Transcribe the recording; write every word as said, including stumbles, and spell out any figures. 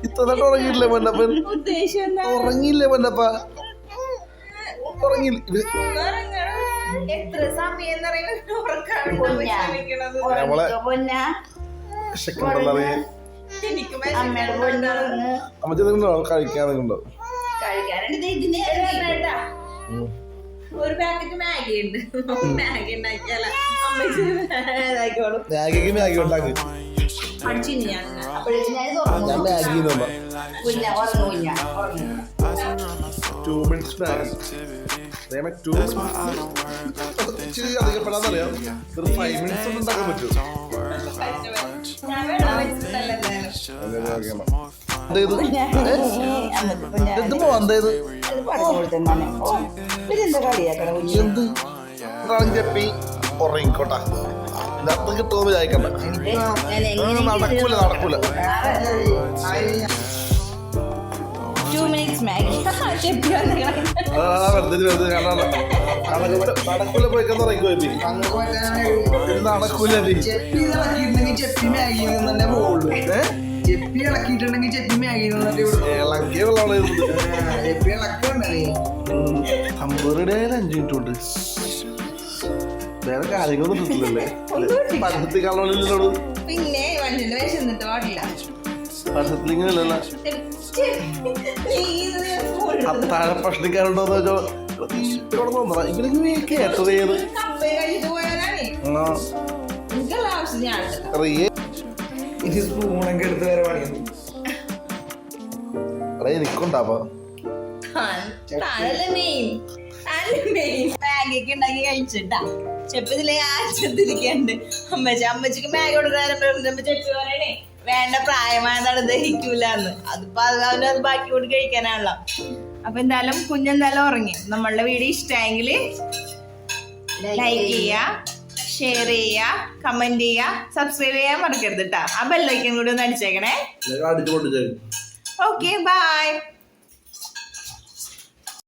ഇത്രനായിട്ട് ഉറങ്ങിയില്ലേ പൊന്നപ്പൻ? ഉറങ്ങിയില്ലേ പൊന്നപ്പ? ഉറങ്ങിയില്ല. എത്ര സമയം അമ്മച്ചോ കഴിക്കാൻ നിൽക്കുന്നുണ്ടോ? ഒരു പാക്കറ്റ് മാഗി ഉണ്ട്. മാഗി ഉണ്ടാക്കിയാലോ? മാഗിക്ക് മാഗി ഉണ്ടാക്കി ഞാൻ ഞാൻ മാഗി ടു മിനിറ്റ്സ് മാഗി ടു ഇച്ചിരി അധികപ്പെടാന്നറിയാം. ഒരു ഫൈവ് മിനിറ്റ്സ് ഒന്നും ഉണ്ടാക്കാൻ പറ്റുമോ? ചെപ്പി ഉറങ്ങിക്കോട്ടെ. അർത്ഥം കിട്ടുമെന്ന് വിചാരിക്കണ്ട. നടക്കൂല നടക്കൂല നടക്കൂല പോയിക്കെന്ന് ഉറങ്ങിക്കോ. നടക്കൂല ചെപ്പി മാഗി തന്നെ പോകുള്ളൂ. ചെപ്പി ഇളക്കിയിട്ടുണ്ടെങ്കിൽ ചെപ്പി മാഗി ഇളക്കിയ വെള്ളമാണ് ചെപ്പി ഇളക്കുണ്ടേ. അമ്പത് അഞ്ചു മിനിറ്റ് ഉണ്ട്. വേറെ കാര്യങ്ങളൊന്നും കിട്ടില്ലല്ലേ? പഠനത്തിൽ കാണാനില്ലോട്. പിന്നെ വണ്ടിന്റെ വിശന്നിട്ട് പാടില്ല. പഠനത്തിലിങ്ങനല്ലല്ലോ. അത്താഴ ഭക്ഷണിക്കാരുണ്ടോന്ന് വെച്ചോ തോന്നണ ഇവർക്ക് കേട്ടത് ഏത് സ്പൂണൊക്കെ എടുത്ത് വരെ പണിയുന്നു. അതെ എനിക്കുണ്ടാവാ മാഗിക്ക് ഉണ്ടാക്കി കഴിച്ചിട്ടാ. ചെപ്പിതിലെ ആശ്രത്തിരിക്കണ്ട്. അമ്മച്ചി അമ്മച്ചിക്ക് മാഗി കൊടുക്കാനും ചെപ്പി പറയണേ വേണ്ട പ്രായമായതാണ് ദഹിക്കൂലെന്ന്. അതിപ്പോ അവന് അത് ബാക്കി കൊണ്ട് കഴിക്കാനാണല്ലോ. അപ്പൊ എന്തായാലും കുഞ്ഞെന്തായാലും ഉറങ്ങി. നമ്മളുടെ വീഡിയോ ഇഷ്ടമായെങ്കിൽ ലൈക്ക് ചെയ്യുക, ഷെയർ ചെയ്യുക, കമന്റ് ചെയ്യുക, സബ്സ്ക്രൈബ് ചെയ്യാൻ മറക്കരുത് കേട്ടോ. ആ ബെല്ലൈക്കൻ കൂടി ഒന്ന് അടിച്ചേക്കണേ. Okay bye.